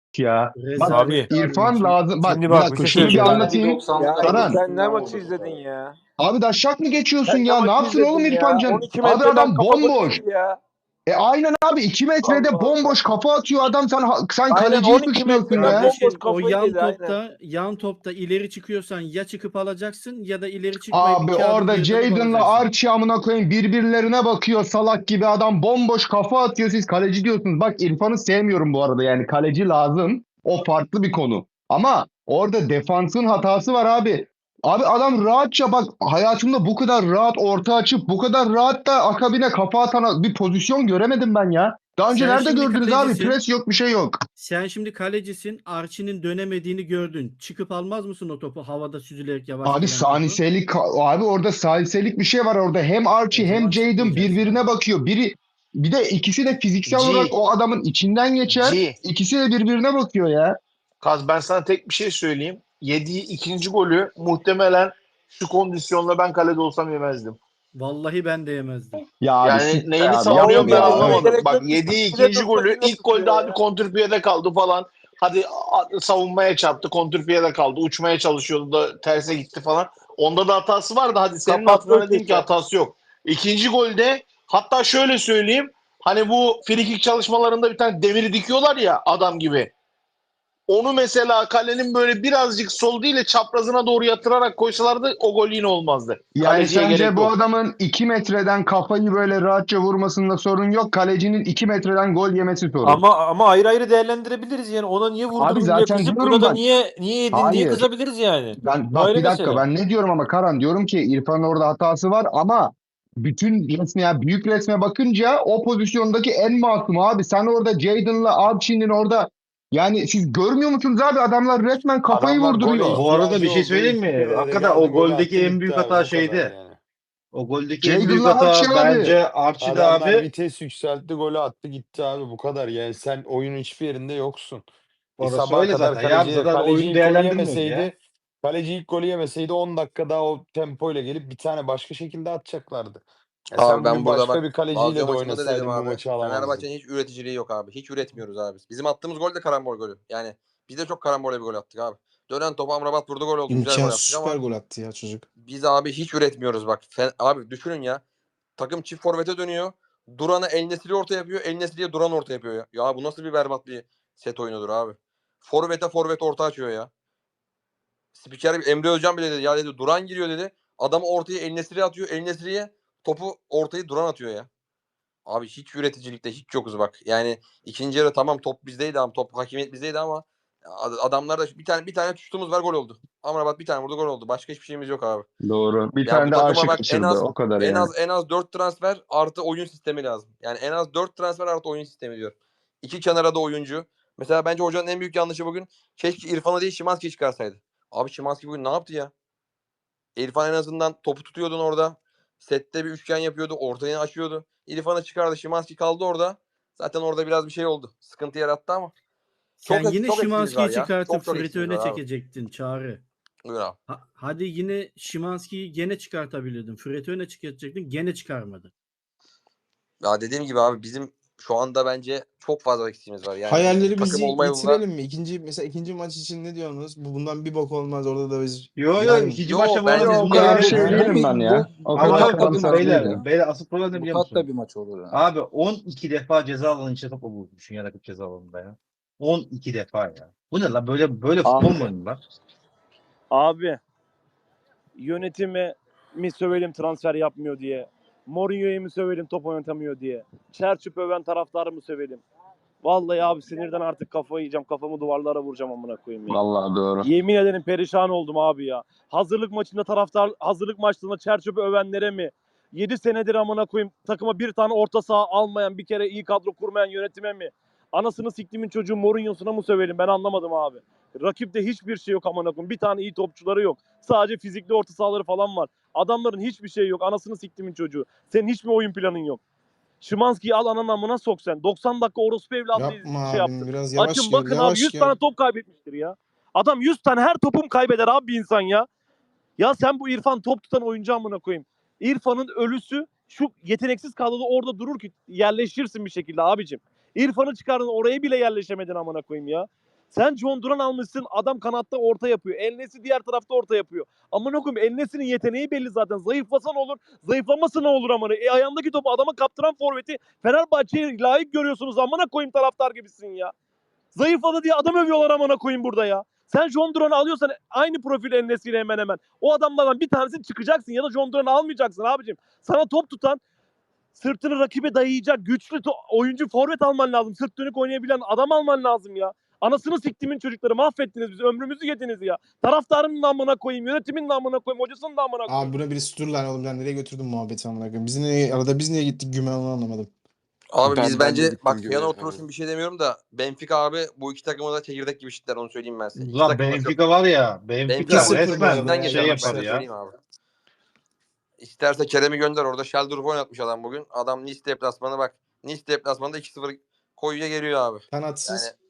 ya. Bak Abi İrfan lazım. Bak şimdi bir bak, dakika bir şey şunu bir söyleyeceğim. anlatayım. Ya Karan. sen ne maçı izledin ya? Abi daşşak mı geçiyorsun Sen ne ya? Ne maçı yapsın oğlum izledin ya? İrfan Can? 12 Abi metreden adam kafa golü bomboş. yedi ya. Aynen abi 2 metrede Allah bomboş Allah. kafa atıyor adam, sen Aynen kaleciyi 12 suçluyorsun metreden ya. bomboş Kardeşim o kafayı dedi aynen. yan topta ileri çıkıyorsan ya çıkıp alacaksın ya da ileri çıkmayıp Abi 2 adım orada geri dönüp Jadon'la alacaksın. Archie amına koyayım birbirlerine bakıyor salak gibi, adam bomboş kafa atıyor, siz kaleci diyorsunuz. Bak İrfan'ı sevmiyorum bu arada, yani kaleci lazım, o farklı bir konu. Ama orada defansın hatası var abi. Abi adam rahatça, bak hayatımda bu kadar rahat orta açıp bu kadar rahat da akabine kafa atan bir pozisyon göremedim ben ya. Daha önce Sen nerede şimdi gördünüz abi? kalecisin. Pres yok, bir şey yok. Sen şimdi kalecisin. Archie'nin dönemediğini gördün. Çıkıp almaz mısın o topu havada süzülerek yavaş Abi gelen topu? saniselik, abi orada saniselik bir şey var orada. Hem Archie O hem zaman Jadon çıkmayacaksın birbirine abi. bakıyor. Bir de ikisi de fiziksel G. olarak o adamın içinden geçer. G. İkisi de birbirine bakıyor ya. Kaz, ben sana tek bir şey söyleyeyim. Yediği ikinci golü muhtemelen şu kondisyonla ben kalede olsam yemezdim. Vallahi ben de yemezdim. Ya abi Yani siktir neyini abi, savunuyorum ben yapma ya. anlamadım. Gerek Bak yok. yediği İkisi de ikinci tutsa golü yine ilk tutuyor golde ya. hadi kontrpiyede kaldı falan. Hadi savunmaya çarptı, kontrpiyede kaldı. Uçmaya çalışıyordu da terse gitti falan. Onda da hatası vardı. Hadi senin Kapattı hatırına dedim ki öteki. hatası yok. İkinci golde hatta şöyle söyleyeyim. Hani bu frikik çalışmalarında bir tane demiri dikiyorlar ya adam gibi. Onu mesela kalenin böyle birazcık sol değil de çaprazına doğru yatırarak koysalardı o gol yine olmazdı. Yani Kaleciye sence gerek bu yok. adamın 2 metreden kafayı böyle rahatça vurmasında sorun yok. Kalecinin 2 metreden gol yemesi sorun. Ama ayrı ayrı değerlendirebiliriz yani. Ona niye Abi vurdurdun diye zaten kızıp diyorum buna da bak. niye yedin diye Hayır. kızabiliriz yani. Ben Bu bak ayrı bir dakika, mesele. ben ne diyorum ama Karan, diyorum ki İrfan'ın orada hatası var ama bütün resme, ya büyük resme bakınca o pozisyondaki en masum abi. Sen orada Jadon'la Archie'nin orada, yani siz görmüyor musunuz abi, adamlar resmen kafayı Adamlar gole vurduruyor. Bu arada bir ihtiyacı şey olduğu söyleyeyim iki mi? kere Hakikaten geldi, o golü attı goldeki en gitti büyük abi, hata bu kadar şeydi. yani. O goldeki en büyük Jadon'la hata Archie abi. bence Archie'de Adamlar abi. vites yükseltti, golü attı gitti abi, bu kadar. Yani sen oyunun hiçbir yerinde yoksun. Orası Sabaha öyle kadar zaten. Ya zaten kaleci oyunu ilk golü değerlendirmiyoruz ya. yemeseydi, kaleci ilk golü yemeseydi 10 dakika daha o tempoyla gelip bir tane başka şekilde atacaklardı. Abi Sen ben bugün burada başka bak bir Lazio kaleciyle de maçında da dedim oynasaydın bu abi. maçı alamazdın. Fenerbahçe'nin hiç üreticiliği yok abi. Hiç üretmiyoruz abi. Bizim attığımız gol de karambol golü. Yani biz de çok karambol bir gol attık abi. Dönen topu Amrabat vurdu, gol oldu. Güzel gol İmkansız attık süper ama gol attı ya çocuk. biz abi hiç üretmiyoruz bak. Abi düşünün ya. Takım çift forvete dönüyor. Duran'ı El Nesri orta yapıyor. El Nesri'ye Duran orta yapıyor ya. Ya bu nasıl bir berbat bir set oyunudur abi. Forvet orta açıyor ya. Spiker Emre Özcan bile dedi. Ya dedi Duran giriyor dedi. Adamı ortaya El Nesri'ye atıyor. El Nesri'ye topu ortayı Duran atıyor ya. Abi hiç üreticilikte hiç yokuz bak. Yani ikinci yarı tamam top bizdeydi ama top hakimiyet bizdeydi ama adamlarda bir tane tuttuğumuz var, gol oldu. Amrabat bir tane vurdu, gol oldu. Başka hiçbir şeyimiz yok abi. Doğru. Bir Ya bu tane de takıma Archie bak kaçırdı. O kadar yani. en az 4 transfer artı oyun sistemi lazım. Yani en az 4 transfer artı oyun sistemi diyor. İki kenara da oyuncu. Mesela bence hocanın en büyük yanlışı bugün keşke İrfan'ı değil Szymański'yi çıkarsaydı. Abi Szymański bugün ne yaptı ya? İrfan en azından topu tutuyordun orada. Sette bir üçgen yapıyordu. Ortayı açıyordu. İrfan'ı çıkardı. Szymański kaldı orada. Zaten orada biraz bir şey oldu. Sıkıntı yarattı ama. Sen yine Çok eksiğimiz var Szymański'yi ya. çıkartıp Çok Fred'i eksiğimiz öne var abi. çekecektin Çağrı. Buyur abi. Hadi yine Szymański'yi gene çıkartabilirdin. Fred'i öne çıkartacaktın. Gene çıkarmadın. Ya dediğim gibi abi bizim şu anda bence çok fazla eksiğimiz var. Yani takım Hayallerimizi olma yolunda. yitirelim mi? Mesela ikinci maç için ne diyorsunuz? Bundan bir bok olmaz. Orada da biz Yo yani ikinci Yo, maçta bu bence arada biz O bu kadar kadar şey değilim ben ya. O kadar ama karamsar bakın değilim. beyler asıl problem ne Bu biliyor tatlı musun? bir maç olur ya. Abi 12 defa ceza alanı içinde top bulmuşsun ya, rakip ceza alanında ya. 12 defa ya. Bu ne lan, böyle futbol mu oynuyorlar? Abi yönetime mi sövelim transfer yapmıyor diye. Mourinho'ya mı sövelim top oynatamıyor diye. Çerçüp öven taraftarı mı sövelim? Vallahi abi sinirden artık kafayı yiyeceğim. Kafamı duvarlara vuracağım amına koyayım ya. Vallahi doğru. Yemin ederim perişan oldum abi ya. Hazırlık maçlarında Çerçöp'ü övenlere mi? 7 senedir amına koyayım takıma bir tane orta saha almayan, bir kere iyi kadro kurmayan yönetime mi? Anasını siktimin çocuğu Mourinho'suna mı sövelim? Ben anlamadım abi. Rakipte hiçbir şey yok amına koyayım. Bir tane iyi topçuları yok. Sadece fizikli orta sahaları falan var. Adamların hiçbir şey yok. Anasını siktimin çocuğu. Senin hiç mi oyun planın yok? Szymański'yi al ananın amına sok sen. 90 dakika orospu evladı yapma şey abim yaptı. biraz yavaş Açın gel. bakın abi Yavaş 100 gel. tane top kaybetmiştir ya. Adam 100 tane her topum kaybeder abi bir insan ya. Ya sen bu İrfan top tutan oyuncu amına koyayım. İrfan'ın ölüsü şu yeteneksiz kadroda orada durur ki yerleşirsin bir şekilde abicim. İrfan'ı çıkardın oraya bile yerleşemedin amına koyayım ya. Sen John Duran almışsın. Adam kanatta orta yapıyor. El-Nesri diğer tarafta orta yapıyor. Amına koyayım, El-Nesri'nin yeteneği belli zaten. Zayıflasa ne olur? Zayıflaması ne olur amına? Ayağındaki topu adama kaptıran forveti Fenerbahçe'ye layık görüyorsunuz. Amına koyayım, taraftar gibisin ya. Zayıfladı diye adam övüyorlar amına koyayım burada ya. Sen John Duran'ı alıyorsan aynı profil El-Nesri'yle hemen hemen. O adamlardan bir tanesini çıkacaksın ya da John Duran'ı almayacaksın abicim. Sana top tutan, sırtını rakibe dayayacak güçlü oyuncu forvet alman lazım. Sırt dönük oynayabilen adam alman lazım ya. Anasını siktimin çocukları, mahvettiniz bizi. Ömrümüzü yediniz ya. Taraftarın namına koyayım, yönetimin namına koyayım, hocasının namına koyayım. Abi buna birisi dur lan oğlum, ben nereye götürdüm muhabbeti amına koyayım. Biz niye gittik güme, onu anlamadım. Abi Ben biz de bence gittim bak göğe yana falan. oturursun bir şey demiyorum da Benfica abi bu iki takımı da çekirdek gibi eşitler, onu söyleyeyim ben size. İki Lan takım da çok- Benfica var ya. Benfica 2-0 resmen bu arada şey ya. yapar ben ya. söyleyeyim abi. İsterse Kerem'i gönder, orada Sheldorf oynatmış adam bugün. Adam Nice deplasmanı bak. Nice deplasmanında 2-0 koyuya geliyor abi. Kanatsız. Yani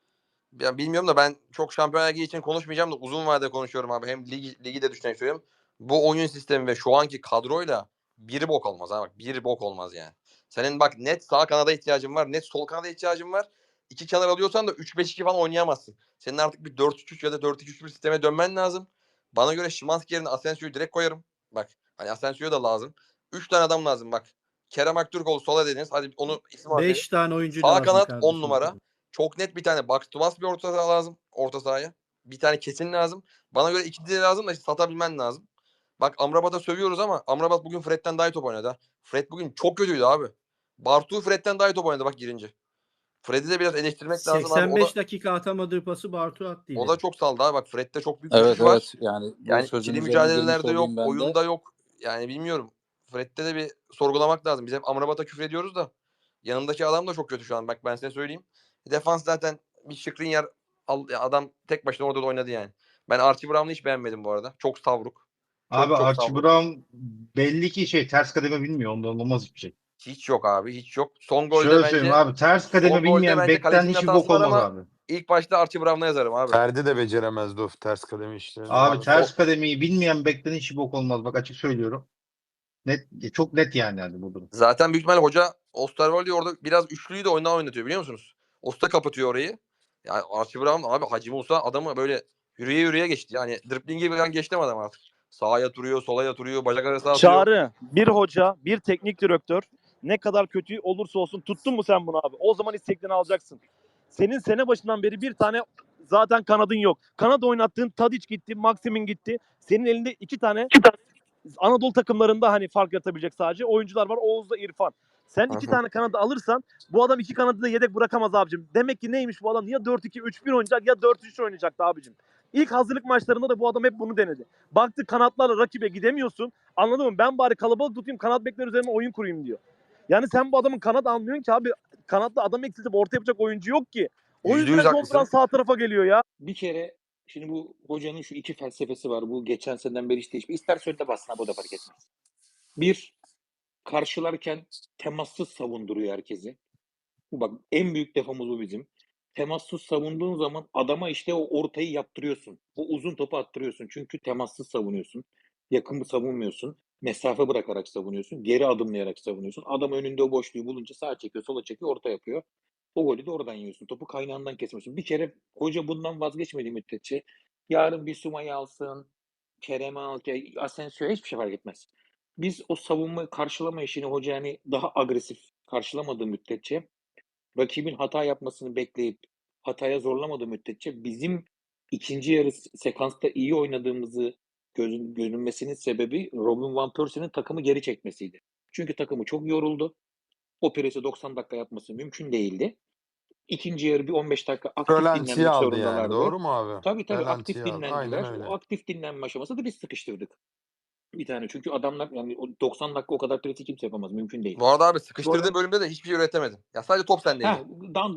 ya bilmiyorum da ben çok Şampiyonlar Ligi için konuşmayacağım da uzun vadede konuşuyorum abi. Hem ligi de düşünerek söylüyorum. Bu oyun sistemi ve şu anki kadroyla bir bok olmaz abi. Bak bir bok olmaz yani. Senin bak net sağ kanada ihtiyacın var. Net sol kanada ihtiyacın var. İki kenar alıyorsan da 3-5-2 falan oynayamazsın. Senin artık bir 4-3-3 ya da 4-2-3 bir sisteme dönmen lazım. Bana göre Szymański yerine Asensio'yu direkt koyarım. Bak hani Asensio da lazım. 3 tane adam lazım bak. Kerem Aktürkoğlu sola dediniz. Hadi onu isim harcayın. 5 tane oyuncu Sağ lazım kanat kardeşim. 10 numara. Çok net bir tane box to box bir orta saha lazım. Orta sahaya. Bir tane kesin lazım. Bana göre iki de lazım da satabilmen lazım. Bak Amrabat'a sövüyoruz ama Amrabat bugün Fred'den daha iyi top oynadı ha. Fred bugün çok kötüydü abi. Bartu Fred'den daha iyi top oynadı bak girince. Fred'i de biraz eleştirmek lazım abi. 85 dakika atamadığı pası Bartu attı yine. O da çok saldı abi. Bak Fred'de çok büyük Evet düşüş var. evet, yani bu Yani sözün ikili üzerine girmiş mücadelelerde yok. olayım ben de. Oyunda yok. Yani bilmiyorum. Fred'de de bir sorgulamak lazım. Biz hep Amrabat'a küfür ediyoruz da yanındaki adam da çok kötü şu an. Bak ben size söyleyeyim. Defans zaten bir Skriniar adam tek başına orada da oynadı yani. Ben Archie Brown'u hiç beğenmedim bu arada. Çok savruk. Abi çok Archie savruk. Brown belli ki ters kademe bilmiyor. Ondan olmaz hiçbir şey. Hiç yok abi. Hiç yok. Son golde Şöyle bence söyleyeyim abi, ters kademe son golde bilmeyen bence bekten kalecinin hiçbir hatası bok var olmaz ama abi. ilk başta Archie Brown'a yazarım abi. Ferdi de beceremezdi o ters kademe işlerini. Abi Abi ters kademeyi bilmeyen bekten hiçbir bok olmaz. Bak açık söylüyorum. Net, çok net yani bu durum. Zaten büyük ihtimalle hoca Osterwolde orada biraz üçlüyü de oyundan oynatıyor biliyor musunuz? Osta kapatıyor orayı. Yani Archie Brown abi Hacı Musa adamı böyle yürüye geçti. Yani driblingi falan geçti adam artık. Sağa yatırıyor, sola yatırıyor, bacak arası atıyor. Çağrı, bir hoca, bir teknik direktör ne kadar kötü olursa olsun tuttun mu sen bunu abi? O zaman isteklerini alacaksın. Senin sene başından beri bir tane zaten kanadın yok. Kanat oynattığın Tadic gitti, Maximin gitti. Senin elinde iki tane Anadolu takımlarında hani fark yaratabilecek sadece oyuncular var. Oğuz'la İrfan. Sen iki tane kanadı alırsan bu adam iki kanadı da yedek bırakamaz abicim. Demek ki neymiş bu adam? Ya 4-2-3-1 oynayacak ya 4-3 oynayacaktı abicim. İlk hazırlık maçlarında da bu adam hep bunu denedi. Baktı kanatlarla rakibe gidemiyorsun. Anladın mı? Ben bari kalabalık tutayım, kanat bekler üzerine oyun kurayım diyor. Yani sen bu adamın kanat almıyorsun ki abi. Kanatta adam eksiltip orta yapacak oyuncu yok ki. O yüzden %100 John haklısın. Duran sağ tarafa geliyor ya. Bir kere şimdi bu hocanın şu iki felsefesi var. Bu geçen seneden beri hiç değişmiyor. İsterse önde bassın abi, o da fark etmez. Bir, karşılarken temassız savunduruyor herkesi. Bu bak en büyük defamız bu bizim. Temassız savunduğun zaman adama işte o ortayı yaptırıyorsun. O uzun topu attırıyorsun. Çünkü temassız savunuyorsun. Yakın savunmuyorsun. Mesafe bırakarak savunuyorsun. Geri adımlayarak savunuyorsun. Adam önünde o boşluğu bulunca sağa çekiyor, sola çekiyor, orta yapıyor. O golü de oradan yiyorsun. Topu kaynağından kesmiyorsun. Bir kere hoca bundan vazgeçmediği müddetçe yarın bir Suma'yı alsın, Kerem'i al, Asensio'ya hiçbir şey fark etmez. Biz o savunma karşılama işini hoca yani daha agresif karşılamadığı müddetçe, rakibin hata yapmasını bekleyip hataya zorlamadığı müddetçe bizim ikinci yarı sekansta iyi oynadığımızı görünmesinin sebebi Robin Van Persie'nin takımı geri çekmesiydi. Çünkü takımı çok yoruldu. O presi 90 dakika yapması mümkün değildi. İkinci yarı bir 15 dakika aktif Rölantiye dinlenmek aldı zorundalardı. yani, doğru mu abi? Tabii aktif Rölantiye aldı. dinlendiler. Aynen öyle. O aktif dinlenme aşamasında da biz sıkıştırdık. Bir tane çünkü adamlar yani 90 dakika o kadar presi kimse yapamaz. Mümkün değil. Bu arada abi sıkıştırdığı Sonra- bölümde de hiçbir şey üretemedin. Ya sadece top sendeydi. Ha,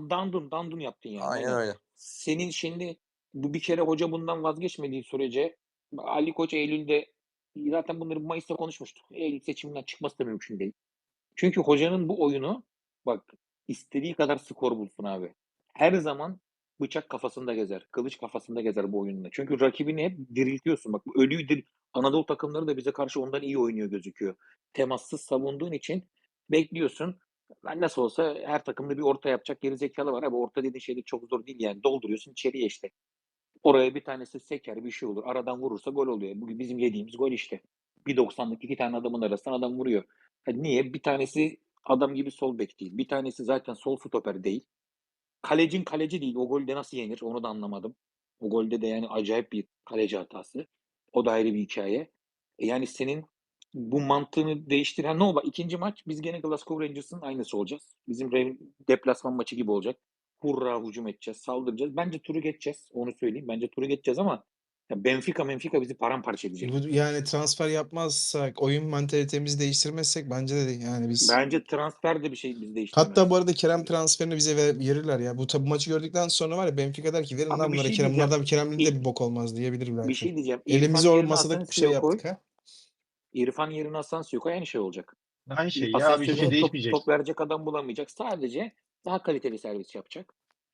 dandun yaptın yani. Aynen öyle. Senin şimdi bu bir kere hoca bundan vazgeçmediği sürece Ali Koç Eylül'de zaten bunları Mayıs'ta konuşmuştuk. Eylül seçiminden çıkması da mümkün değil. Çünkü hocanın bu oyunu bak istediği kadar skor bulsun abi. Her zaman bıçak kafasında gezer. Kılıç kafasında gezer bu oyununda. Çünkü rakibini hep diriltiyorsun. Bak bu ölüyü Anadolu takımları da bize karşı ondan iyi oynuyor gözüküyor. Temassız savunduğun için bekliyorsun. Ben nasıl olsa her takımda bir orta yapacak gerizekalı var abi. Orta dediğin şey de çok zor değil yani. Dolduruyorsun içeriye işte. Oraya bir tanesi seker bir şey olur. Aradan vurursa gol oluyor. Bugün bizim yediğimiz gol işte. 1.90'lık 2 tane adamın arasından adam vuruyor. Niye? Bir tanesi adam gibi sol bek değil. Bir tanesi zaten sol stoper değil. Kalecin kaleci değil. O golde nasıl yenir onu da anlamadım. O golde de yani acayip bir kaleci hatası. O da ayrı bir hikaye. Yani senin bu mantığını değiştiren ne oldu? İkinci maç biz gene Glasgow Rangers'ın aynısı olacağız. Bizim deplasman maçı gibi olacak. Hurra hücum edeceğiz, saldıracağız. Bence turu geçeceğiz. Onu söyleyeyim. Bence turu geçeceğiz ama ya Benfica bizi paramparça edecek. Yani transfer yapmazsak, oyun mantalitemizi değiştirmezsek bence de yani biz. Bence transfer de bir şey bizi değiştirmez. Hatta bu arada Kerem transferini bize verirler ya. Bu maçı gördükten sonra var ya Benfica der ki verin Ama lan bir bunlara şey Kerem. diyeceğim. Bunlardan Kerem'li de bir bok olmaz diyebilir Bir belki. şey diyeceğim. Elimizi İrfan o yerine masada bir şey Asensio'yu koy. yaptık ha. İrfan yerine Asensio'yu koy aynı şey olacak. Aynı şey ya. Bir Asensio şey top değişmeyecek. verecek adam bulamayacak. Sadece daha kaliteli servis yapacak.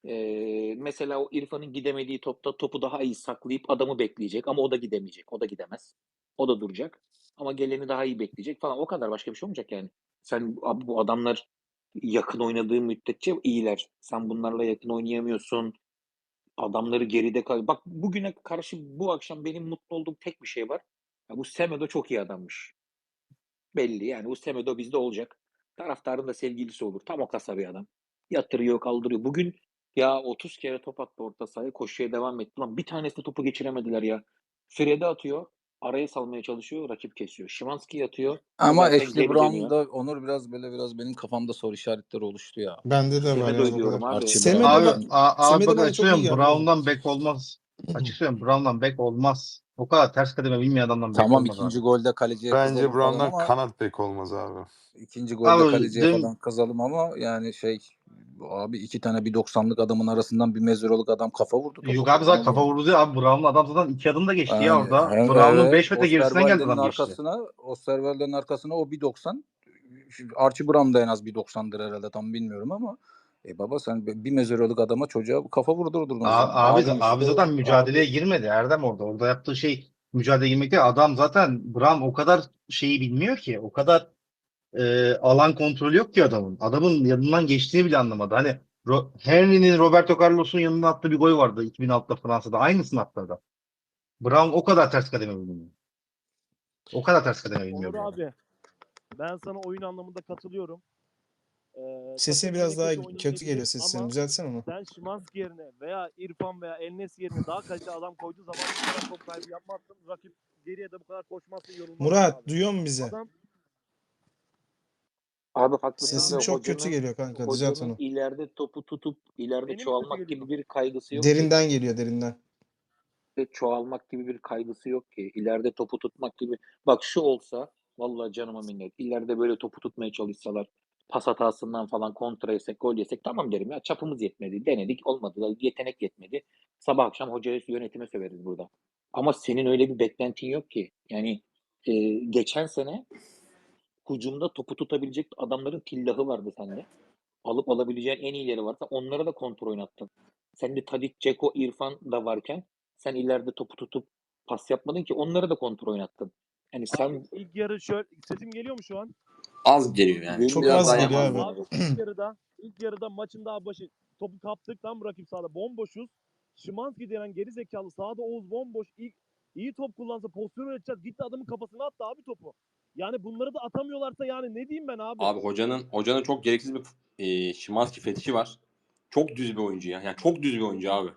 Mesela o İrfan'ın gidemediği topta topu daha iyi saklayıp adamı bekleyecek ama o da gidemeyecek. O da gidemez. O da duracak. Ama geleni daha iyi bekleyecek falan. O kadar başka bir şey olmayacak yani. Sen abi bu adamlar yakın oynadığı müddetçe iyiler. Sen bunlarla yakın oynayamıyorsun. Adamları geride kal. Bak bugüne karşı bu akşam benim mutlu olduğum tek bir şey var. Ya bu Semedo çok iyi adammış. Belli yani bu Semedo bizde olacak. Taraftarın da sevgilisi olur. Tam o kasa bir adam. Yatırıyor, kaldırıyor. Bugün ya 30 kere top attı orta sahaya. Koşuya devam etti. Lan bir tanesi de topu geçiremediler ya. Frede atıyor. Araya salmaya çalışıyor. Rakip kesiyor. Szymański atıyor. Ama Zaten Ashley geri dönüyor. Brown'da Onur biraz benim kafamda soru işaretleri oluştu ya. Bende de var ya Semedo'yu o diyorum kadar. abi. Semedo Abi, bak abi Semedo bak bana açık çok iyi söylüyorum. geldi. Brown'dan bek olmaz. Açık söylüyorum. Brown'dan bek olmaz. O kadar ters kademe bilmeyen adamdan bek Tamam olmaz ikinci abi. golde kaleciye Bence kızalım falan Brown'dan ama kanat bek olmaz abi. ikinci golde Abi kaleciye dün falan kızalım ama yani abi iki tane 1.90'lık adamın arasından bir mezuroluk adam kafa vurdu topa. yok abi zaten kafa vurdu ya. Abi Brown'un adam zaten 2 adım da geçti ya Yani, orada. Brown'un 5 metre gerisinden geldi adam geçti. Osterwalder'in arkasına o 1.90. Archie Brown da en az 1.90'dır herhalde tam bilmiyorum ama baba sen bir mezuroluk adama çocuğa kafa vurdurdun o zaman. Abi zaten mücadeleye girmedi Erdem orada. Orada yaptığı şey mücadeleye girmek değil. Adam zaten Brown o kadar şeyi bilmiyor ki. O kadar alan kontrolü yok ki adamın. Adamın yanından geçtiğini bile anlamadı. Hani Henry'nin Roberto Carlos'un yanına attığı bir gol vardı 2006'da Fransa'da. Aynısını attı adam. Brown o kadar ters kademe bilmiyor. O kadar ters kademe bilmiyor. Onur abi ben sana oyun anlamında katılıyorum. Sesin takım biraz yine daha kötü kötü oynayabilir geliyor sesin. ama Düzeltsene onu. sen Szymański yerine veya İrfan veya El-Nesri yerine daha kaliteli adam koyduğu zaman bu kadar top kaybı yapmazsın. Rakip geriye de bu kadar koşmazsın, yorulmazsın Murat abi. duyuyor musun bizi? Adam Abi haklısın Sesin ve çok kötü geliyor kanka. Düzelt hocanın onu. ileride topu tutup ileride Benim mi çoğalmak kötü gibi geliyor? bir kaygısı yok ki. Derinden geliyor derinden. Çoğalmak gibi bir kaygısı yok ki. İleride topu tutmak gibi. Bak şu olsa vallahi canıma minnet. İleride böyle topu tutmaya çalışsalar pas hatasından falan kontra yesek, gol yesek tamam derim ya. Çapımız yetmedi. Denedik olmadı. Yetenek yetmedi. Sabah akşam hocaya yönetime söveriz burada. Ama senin öyle bir beklentin yok ki. Yani geçen sene hücumda topu tutabilecek adamların tillahı vardı sende. Alıp alabileceğin en iyileri varsa onlara da kontrol oynattın. Sende Tadic, Dzeko, İrfan da varken sen ileride topu tutup pas yapmadın ki onlara da kontrol oynattın. Yani sen İlk yarı şöyle sesim geliyor mu şu an? Az geliyor yani. Çok Biraz az daha geliyor yapalım. abi. Abi ilk yarıda maçın daha başı topu kaptık tam rakip sahada bomboşuz. Szymański denen geri zekalı sahada Oğuz bomboş iyi top kullansa pozisyon üreteceğiz. Gitti adamın kafasına attı abi topu. Yani bunları da atamıyorlarsa yani ne diyeyim ben abi? Abi hocanın çok gereksiz bir Szymański fetişi var. Çok düz bir oyuncu ya. Yani çok düz bir oyuncu abi.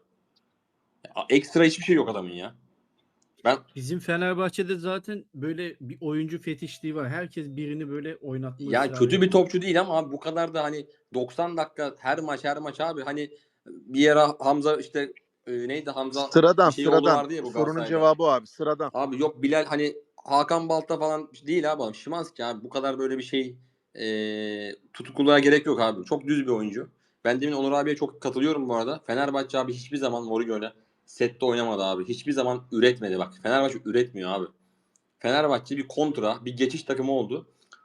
Ya, ekstra hiçbir şey yok adamın ya. Bizim Fenerbahçe'de zaten böyle bir oyuncu fetişliği var. Herkes birini böyle oynatma Ya ısrarı kötü bir yapıyor. topçu değil ama abi bu kadar da hani 90 dakika her maç abi hani bir ara Hamza işte neydi Hamza Sıradan bir şey oğlu sıradan. vardı ya bu Sorunun Galatasaray'da. cevabı o abi sıradan. Abi yok Bilal hani Hakan Balta falan değil abi. Szymański abi bu kadar böyle bir şey tutukluluğa gerek yok abi. Çok düz bir oyuncu. Ben demin Onur abiye çok katılıyorum bu arada. Fenerbahçe abi hiçbir zaman Mourinho'yla sette oynamadı abi. Hiçbir zaman üretmedi bak. Fenerbahçe üretmiyor abi. Fenerbahçe bir kontra, bir geçiş takımı oldu.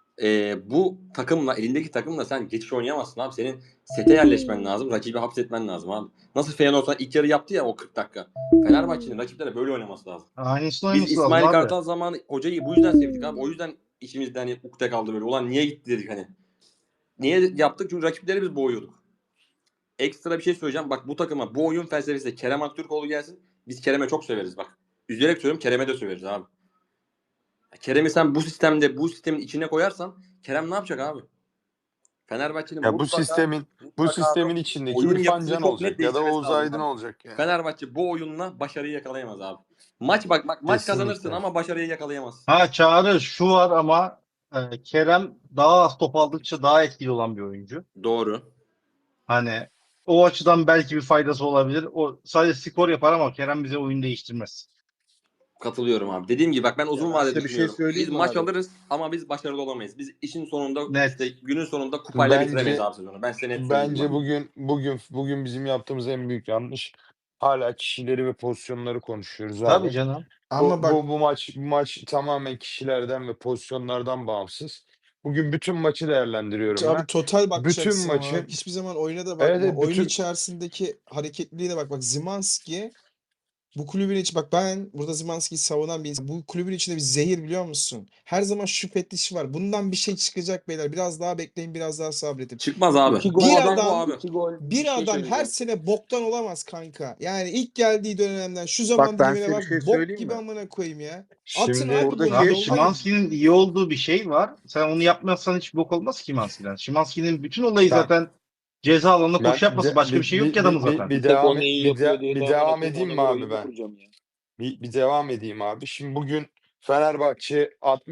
Bu takımla, elindeki takımla sen geçiş oynayamazsın abi. Senin sete yerleşmen lazım, rakibi hapsetmen lazım abi. Nasıl Feyenoord ilk yarı yaptı ya o 40 dakika. Fenerbahçe'nin rakiplere böyle oynaması lazım. Aynısını Biz oynaması lazım İsmail abi. Kartal zamanı hocayı bu yüzden sevdik abi. O yüzden içimizde hani ukde kaldı böyle. Ulan niye gitti dedik hani. Niye yaptık? Çünkü rakipleri biz boğuyorduk. Ekstra bir şey söyleyeceğim. Bak bu takıma bu oyun felsefesiyle Kerem Aktürkoğlu gelsin. Biz Kerem'e çok severiz bak. Üzülerek söylüyorum, Kerem'e de severiz abi. Kerem'i sen bu sistemde, bu sistemin içine koyarsan Kerem ne yapacak abi? Fenerbahçe'nin Ya bu mutlaka sistemin içindeki oyun İrfan yapısını Can çok net olacak ya da değiştirmesi Oğuz lazım Aydın abi. olacak yani. Fenerbahçe bu oyunla başarıyı yakalayamaz abi. Maç maç kazanırsın Kesinlikle. ama başarıyı yakalayamazsın. Ha Çağrı şu var ama Kerem daha az top aldıkça daha etkili olan bir oyuncu. Doğru. Hani o açıdan belki bir faydası olabilir. O sadece skor yapar ama Kerem bize oyun değiştirmez. Katılıyorum abi. Dediğim gibi bak ben uzun ben vadede size bir şey düşünüyorum. söyleyeyim Biz mi maç abi? alırız ama biz başarılı olamayız. Biz işin sonunda Net. işte günün sonunda kupayla bitiremeyiz Bence abi sezonu. Ben size net söyleyeyim. bence Bak. bugün bizim yaptığımız en büyük yanlış hala kişileri ve pozisyonları konuşuyoruz Tabii abi. canım. Ama bak Bu maç tamamen kişilerden ve pozisyonlardan bağımsız. Bugün bütün maçı değerlendiriyorum abi ben. total Bütün bakacaksın ama maçı hiçbir zaman oyuna da evet, bakma. evet, Oyun bütün içerisindeki hareketliliğine bak. Bak Szymański bu kulübün içi bak ben burada Szymański'yi savunan bir insan. Bu kulübün içinde bir zehir biliyor musun? Her zaman şu fetişi var. Bundan bir şey çıkacak beyler. Biraz daha bekleyin, biraz daha sabredin. Çıkmaz abi. 2 Bu gol, adam bu abi. 2 gol bir Bir şey adam her söyleyeceğim. sene boktan olamaz kanka. Yani ilk geldiği dönemden şu Bak zaman ben dilimine size bir bak şey bok söyleyeyim gibi mi? amına koyayım ya. Atın şimdi abi Buradaki golü Abi yollayın. Szymański'nin iyi olduğu bir şey var. Sen onu yapmazsan hiç bok olmaz ki Szymański'den. Szymański'nin bütün olayı ben zaten ceza alanına ben koşu yapması. Başka bir şey yok ki adamın zaten. bir Tek o neyi yapıyor diye de amına devam koyayım edeyim ona mi göre abi oyun mu ben? kuracağım ya? Bir devam edeyim abi. Şimdi bugün Fenerbahçe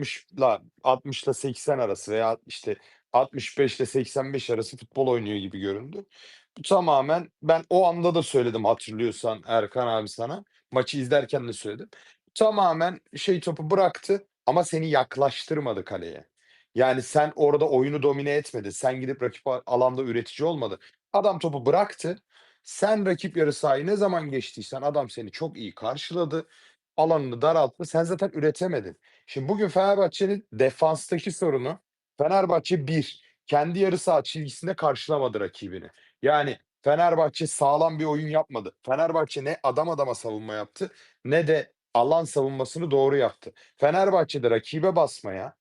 60 ile 80 arası veya işte 65 ile 85 arası futbol oynuyor gibi göründü. Bu tamamen ben o anda da söyledim hatırlıyorsan Erkan abi sana. Maçı izlerken de söyledim. Tamamen topu bıraktı ama seni yaklaştırmadı kaleye. Yani sen orada oyunu domine etmedin. Sen gidip rakip alanda üretici olmadı. Adam topu bıraktı. Sen rakip yarı sahayı ne zaman geçtiysen adam seni çok iyi karşıladı. Alanını daralttı. Sen zaten üretemedin. Şimdi bugün Fenerbahçe'nin defanstaki sorunu Fenerbahçe kendi yarı saha çizgisinde karşılamadı rakibini. Yani Fenerbahçe sağlam bir oyun yapmadı. Fenerbahçe ne adam adama savunma yaptı ne de alan savunmasını doğru yaptı. Fenerbahçe'de rakibe basmaya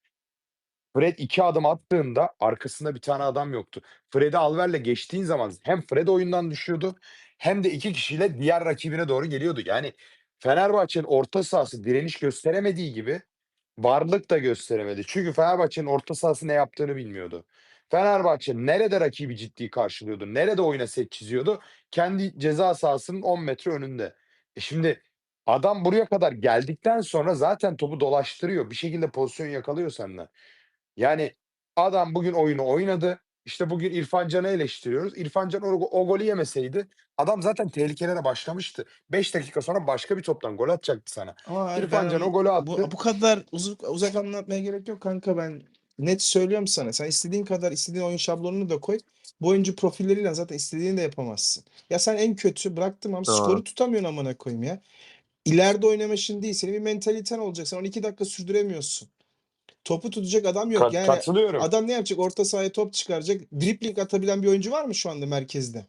Fred 2 adım attığında arkasında bir tane adam yoktu. Fred'i Alver'le geçtiğin zaman hem Fred oyundan düşüyordu hem de 2 kişiyle diğer rakibine doğru geliyordu. Yani Fenerbahçe'nin orta sahası direniş gösteremediği gibi varlık da gösteremedi. Çünkü Fenerbahçe'nin orta sahası ne yaptığını bilmiyordu. Fenerbahçe nerede rakibi ciddi karşılıyordu, nerede oyuna set çiziyordu? Kendi ceza sahasının 10 metre önünde. Şimdi adam buraya kadar geldikten sonra zaten topu dolaştırıyor. Bir şekilde pozisyon yakalıyor senden. Yani adam bugün oyunu oynadı. İşte bugün İrfan Can'ı eleştiriyoruz. İrfan Can o golü yemeseydi adam zaten tehlikelere başlamıştı. 5 dakika sonra başka bir toptan gol atacaktı sana. Ama abi İrfan Can o golü attı. bu kadar uzak anlatmaya gerek yok kanka, ben net söylüyorum sana. Sen istediğin kadar istediğin oyun şablonunu da koy. Bu oyuncu profilleriyle zaten istediğini de yapamazsın. Ya sen en kötü bıraktım ama skoru tutamıyorsun amına koyayım ya. İleride oynama için değil. Senin bir mentaliten olacak. Sen 12 dakika sürdüremiyorsun. Topu tutacak adam yok. Yani Katılıyorum. adam ne yapacak? Orta sahaya top çıkaracak. Dribbling atabilen bir oyuncu var mı şu anda merkezde?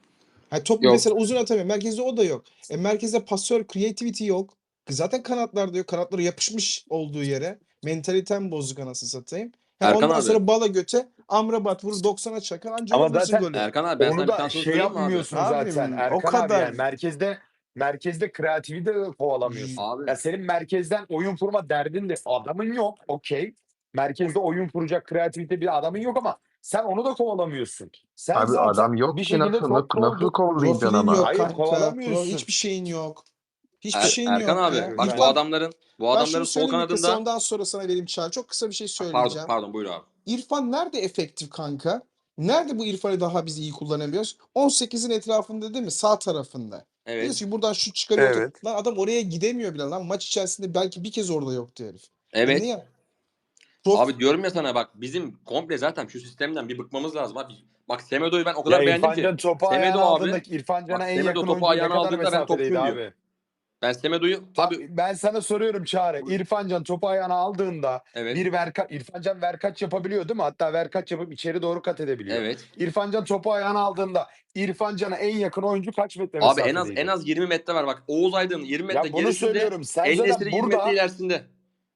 Ha, top Yok. mesela uzun atamıyor. Merkezde o da yok. Merkezde pasör, creativity yok. Zaten kanatlarda yok. Kanatları yapışmış olduğu yere. Mentaliten bozuk anasını satayım. Erkan Ondan abi. sonra bala göte Amrabat vurur 90'a çakar anca Ama vurursun zaten golü. Erkan abi ben sana onu bir da tanesini söyleyeyim mi abi? yapmıyorsun Abim, zaten o Erkan abi kadar. yani merkezde kreatifi de kovalamıyorsun. Abi Ya senin merkezden oyun kurma derdin de adamın yok. Okey. Merkezde oyun kuracak kreativite bir adamın yok ama sen onu da kovalamıyorsun. Sen Abi zaten adam yok bir ki şekilde top nasıl kovalayacaksın Profilin ama? yok Hayır, kanka. kovalamıyorsun. Hiçbir şeyin yok. Hiçbir şeyin Erkan yok abi ya. bak Ben- bu adamların Ben şunu sol söyleyeyim mi kısa, kanadında ondan sonra sana vereyim Çağrı. Çok kısa bir şey pardon söyleyeceğim. pardon buyur abi. İrfan nerede efektif kanka? Nerede bu İrfan'ı daha biz iyi kullanabiliyoruz? 18'in etrafında değil mi? Sağ tarafında. Evet. Diyorsun ki buradan şut çıkarıyor. Evet. Lan adam oraya gidemiyor bile lan. Maç içerisinde belki bir kez orada yoktu herif. Evet. Niye? Abi diyorum ya sana bak bizim komple zaten şu sistemden bir bıkmamız lazım abi. Bak Semedo'yu ben o Ya kadar beğendim İrfan ki. Can topu Semedo ayağına abi. aldığında İrfan Bak Can'a en Semedo yakın topu oyuncu ne ayağına kadar aldığında ben mesafeliydi topçuyum diyor. abi? Ben Semedo'yu abi Ben sana soruyorum Çağrı. İrfan Can topu ayağına aldığında evet. İrfan Can verkaç yapabiliyor değil mi? Hatta verkaç yapıp içeri doğru kat edebiliyor. Evet. İrfan Can topu ayağına aldığında İrfan Can'a en yakın oyuncu kaç metre Abi mesafedeydi? en az 20 metre var bak. Oğuz Aydın 20 metre Ya bunu gerisinde. söylüyorum. Sen El zaten Nesri 20 metre burada ilerisinde.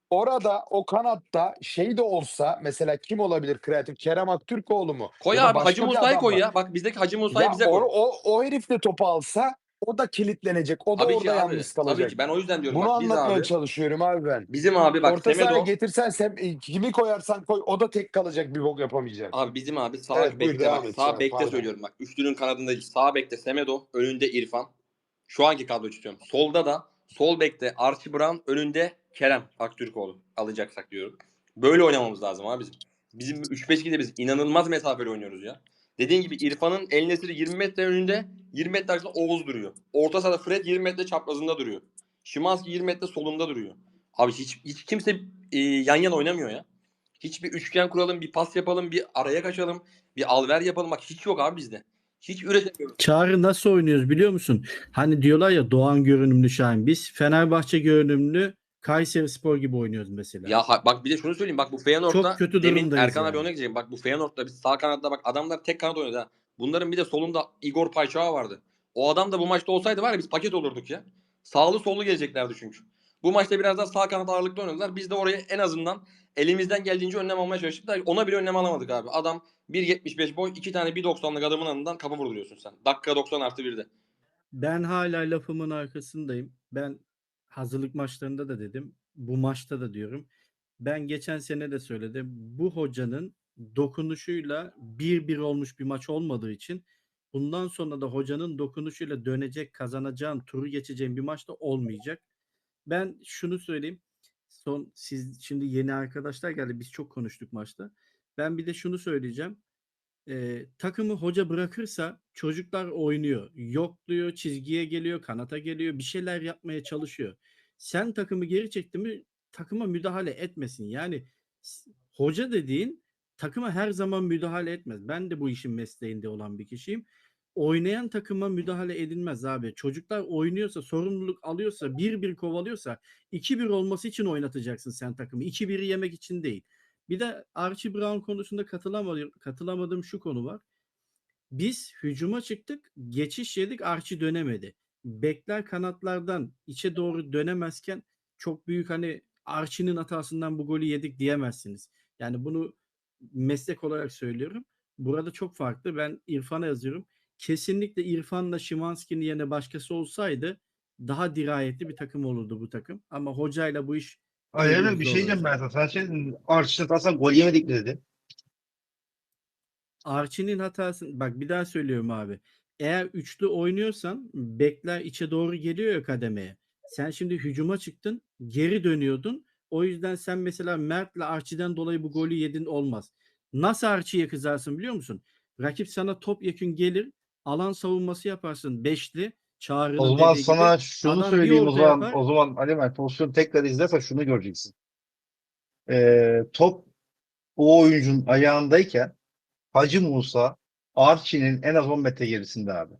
orada o kanatta şey de olsa mesela kim olabilir kreatif? Kerem Aktürkoğlu mu? Koy Ya da abi Hacı başka bir Musa'yı adam koy mı? ya. Bak bizdeki Hacı Musa'yı Ya bize koy. o herif de topu alsa o da kilitlenecek. O da Tabii ki orada abi. yalnız Tabii kalacak. ki. Ben o yüzden diyorum Bunu bak biz anlatmaya abi. çalışıyorum abi ben. Bizim abi bak Orta sahaya Semedo. getirsen kimi koyarsan koy o da tek kalacak, bir bok yapamayacak. Abi bizim abi sağ Evet buyur bekte devam bak. et Sağ sonra bekte pardon. söylüyorum bak. Üçlünün kanadında sağ bekte Semedo. Önünde İrfan. Şu anki kadroyu tutuyorum. Solda da sol bekte Archie Brown. Önünde Kerem Aktürkoğlu. Alacaksak diyorum. Böyle oynamamız lazım abi bizim. Bizim 3-5-2'de biz inanılmaz mesafeli oynuyoruz ya. Dediğin gibi İrfan'ın El Nesri 20 metre önünde, 20 metre arkasında Oğuz duruyor. Orta sahada Fred 20 metre çaprazında duruyor. Szymański 20 metre solunda duruyor. Abi hiç kimse yan yana oynamıyor ya. Hiçbir üçgen kuralım, bir pas yapalım, bir araya kaçalım, bir alver yapalım. Bak hiç yok abi bizde. Hiç üretemiyoruz. Çağrı nasıl oynuyoruz biliyor musun? Hani diyorlar ya Doğan görünümlü Şahin. Biz Fenerbahçe görünümlü Kayserispor gibi oynuyoruz mesela. Ya bak bir de şunu söyleyeyim. Bak bu Çok Feyenoord'da kötü demin durumdayız Erkan abi yani. ona gidecek. Bak bu Feyenoord'da biz sağ kanatta bak adamlar tek kanat oynadı ha. Bunların bir de solunda Igor Payçağı vardı. O adam da bu maçta olsaydı var ya biz paket olurduk ya. Sağlı sollu geleceklerdi çünkü. Bu maçta biraz daha sağ kanat ağırlıklı oynadılar. Biz de oraya en azından elimizden geldiğince önlem almaya çalıştık da ona bile önlem alamadık abi. Adam 1.75 boy 2 tane 1.90'lık adamın yanından kapı vurduruyorsun sen. Dakika 90 artı 1'de. Ben hala lafımın arkasındayım. Ben hazırlık maçlarında da dedim. Bu maçta da diyorum. Ben geçen sene de söyledim. Bu hocanın dokunuşuyla 1-1 olmuş bir maç olmadığı için bundan sonra da hocanın dokunuşuyla dönecek, kazanacağın, turu geçeceğin bir maçta olmayacak. Ben şunu söyleyeyim. Siz şimdi yeni arkadaşlar geldi. Biz çok konuştuk maçta. Ben bir de şunu söyleyeceğim. Takımı hoca bırakırsa çocuklar oynuyor. Yokluyor, çizgiye geliyor, kanata geliyor, bir şeyler yapmaya çalışıyor. Sen takımı geri çekti mi takıma müdahale etmesin. Yani hoca dediğin takıma her zaman müdahale etmez. Ben de bu işin mesleğinde olan bir kişiyim. Oynayan takıma müdahale edilmez abi. Çocuklar oynuyorsa, sorumluluk alıyorsa, 1-1 kovalıyorsa 2-1 olması için oynatacaksın sen takımı. 2-1'i yemek için değil. Bir de Archie Brown konusunda katılamadığım şu konu var. Biz hücuma çıktık, geçiş yedik, Archie dönemedi. Bekler kanatlardan içe doğru dönemezken çok büyük hani Archie'nin hatasından bu golü yedik diyemezsiniz. Yani bunu meslek olarak söylüyorum. Burada çok farklı. Ben İrfan'a yazıyorum. Kesinlikle İrfan'la Szymański'nin yerine başkası olsaydı daha dirayetli bir takım olurdu bu takım. Ama hocayla bu iş Öyle bir şey diyeceğim ben sana. Sen şey dedin, Arşin'e aslında gol yemedik mi dedi. Archie'nin hatası bak bir daha söylüyorum abi. Eğer üçlü oynuyorsan bekler içe doğru geliyor ya kademeye. Sen şimdi hücuma çıktın, geri dönüyordun. O yüzden sen mesela Mert'le Archie'den dolayı bu golü yedin olmaz. Nasıl Archie'ye kızarsın biliyor musun? Rakip sana topyekün gelir, alan savunması yaparsın beşli. O Çağrı'nın zaman dediği gibi sana şunu adam bir söyleyeyim o orta zaman. yapar. O zaman Ali Mert pozisyonu tekrar izlersen şunu göreceksin. Top o oyuncunun ayağındayken Hacı Musa Archie'nin en az 10 metre gerisinde abi.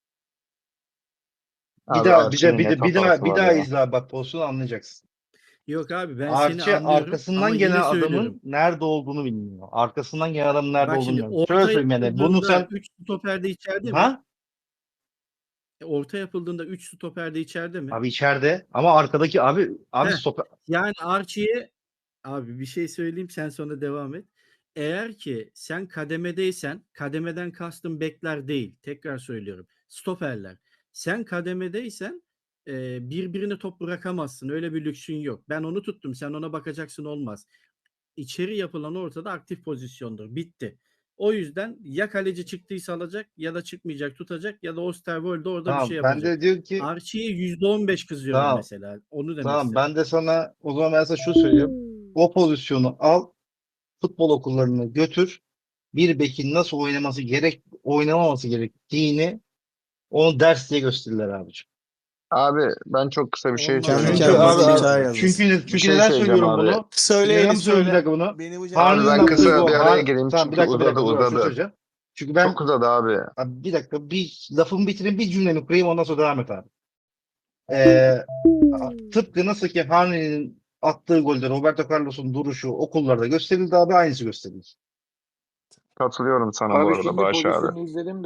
Bir Abi daha bir de Archie'nin bir net de bir daha hatası bir var daha ya. izle abi, bak pozisyonu anlayacaksın. Yok abi ben seni Archie anlıyorum ama arkasından yine gelen söylüyorum. adamın nerede olduğunu bilmiyor. Arkasından gelen adamın nerede Bak olduğunu şimdi bilmiyor. Şöyle orta söyleyeyim yani bunu yapıldığında sen 3 stoper de içeride mi? ha Orta yapıldığında 3 stoper de içeride mi? abi içeride ama arkadaki abi Heh. stoper Yani Archie'ye abi bir şey söyleyeyim sen sonra devam et. Eğer ki sen kademedeysen kademeden kastım bekler değil. Tekrar söylüyorum. Stoperler. Sen kademedeysen birbirine top bırakamazsın. Öyle bir lüksün yok. Ben onu tuttum. Sen ona bakacaksın olmaz. İçeri yapılan ortada aktif pozisyondur. Bitti. O yüzden ya kaleci çıktıysa alacak ya da çıkmayacak tutacak ya da Osterwold orada bir şey tamam ben yapacak. de diyor ki Archie'ye %15 kızıyorum tamam mesela. Onu demek tamam istedim. ben de sana o zaman ben sana şu söylüyorum. O pozisyonu al, futbol okullarına götür. Bir bekin nasıl oynamaması gerektiğini onu ders diye gösterirler abiciğim. Abi ben çok kısa bir şey Kendi söyleyeceğim. Çünkü kendine abi zeka yazması. Bir çünkü şey neden söyleyeceğim söylüyorum abi. bunu? Söyle Neden Elif söylüyorum bir söyle. dakika bunu? Beni bu Abi Harun'un ben cevaplarla yaptığı kısa gol. bir araya gireyim Tamam çünkü uzadı dur şunu uzadı. söyleyeceğim. Çünkü ben Çok uzadı abi. abi bir dakika bir lafımı bitireyim bir cümlemi kurayım ondan sonra devam et abi. Ee, tıpkı nasıl ki Harun'un attığı golde Roberto Carlos'un duruşu okullarda gösterildi abi aynısı gösterildi. Katılıyorum sana bu Abi arada şimdi Bağış abi. pozisyonu izledim de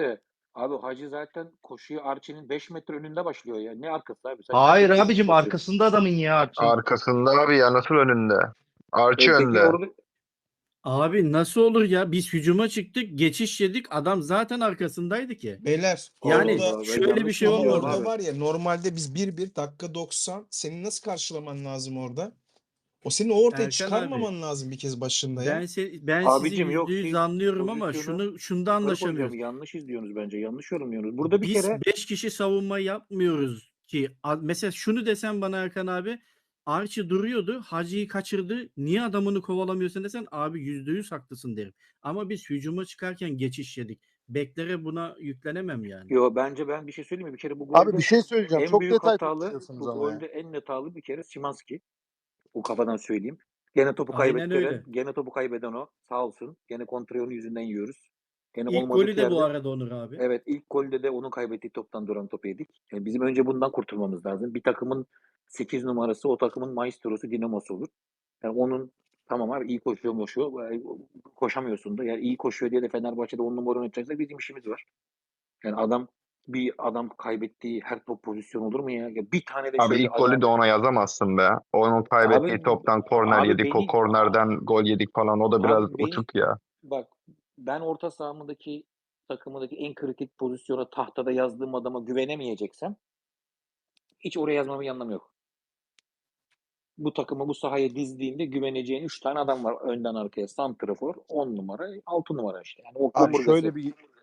Abi Hacı zaten koşuyu Archie'nin 5 metre önünde başlıyor ya. Ne arkası abi? Sen Hayır ciddi abicim konuşuyorsun. arkasında adamın ya Archie. Arkasında abi ya, nasıl önünde? Archie Peki önde. orada Abi nasıl olur ya? Biz hücuma çıktık, geçiş yedik. Adam zaten arkasındaydı ki. Beyler Yani Allah Allah, ben şöyle bir yanlış şey mı ama biliyorum olmadı. orada abi? var ya normalde biz 1-1 dakika 90 senin nasıl karşılaman lazım orada? O senin o ortaya Erkan abi, çıkarmaman lazım bir kez başında ya. ben sizi Abicim yok, %100 siz anlıyorum ama pozisyonu şunda yukarı koyacağım. anlaşamıyoruz. Yanlış izliyorsunuz bence. Yanlış yorumluyorsunuz. Burada bir Biz kere 5 kişi savunma yapmıyoruz ki. Mesela şunu desem bana Erkan abi, Archie duruyordu, Hacı'yı kaçırdı. Niye adamını kovalamıyorsun desen abi %100 haklısın derim. Ama biz hücuma çıkarken geçiş yedik. Beklere buna yüklenemem yani. yo, bence ben bir şey söyleyeyim mi? Bir kere bu Abi bir golde şey söyleyeceğim. en Çok büyük detay hatalı, konuşuyorsunuz bu ama ya. golde en net hatalı bir kere Szymański. O kafadan söyleyeyim. Gene topu Aynen öyle. kaybettiren, gene topu kaybeden o. Sağ olsun. Gene kontrayı onun yüzünden yiyoruz. Gene İlk golü olmadık de bu yerde. arada Onur abi. Evet, ilk golde de onun kaybettiği toptan duran topu yedik. Yani bizim önce bundan kurtulmamız lazım. Bir takımın 8 numarası o takımın maestrosu, dinamosu olur. Yani onun tamam abi iyi koşuyor. Koşamıyorsun da. Yani iyi koşuyor diye de Fenerbahçe'de 10 numara oynatacaksa bizim işimiz var. Yani bir adam kaybettiği her top pozisyon olur mu ya? Ya bir tane de Abi şöyle ilk golü de ayağını... ona yazamazsın be. Onun kaybettiği Abi, toptan korner abi yedik. O kornerden gol yedik falan. O da biraz abi uçuk ya. bak, ben orta sahamdaki takımındaki en kritik pozisyona tahtada yazdığım adama güvenemeyeceksem hiç oraya yazmamın anlamı yok. Bu takımı bu sahaya dizdiğinde güveneceğin 3 tane adam var önden arkaya. Santrafor, 10 numara, 6 numara işte. Yani o Abi omurgası. şöyle bir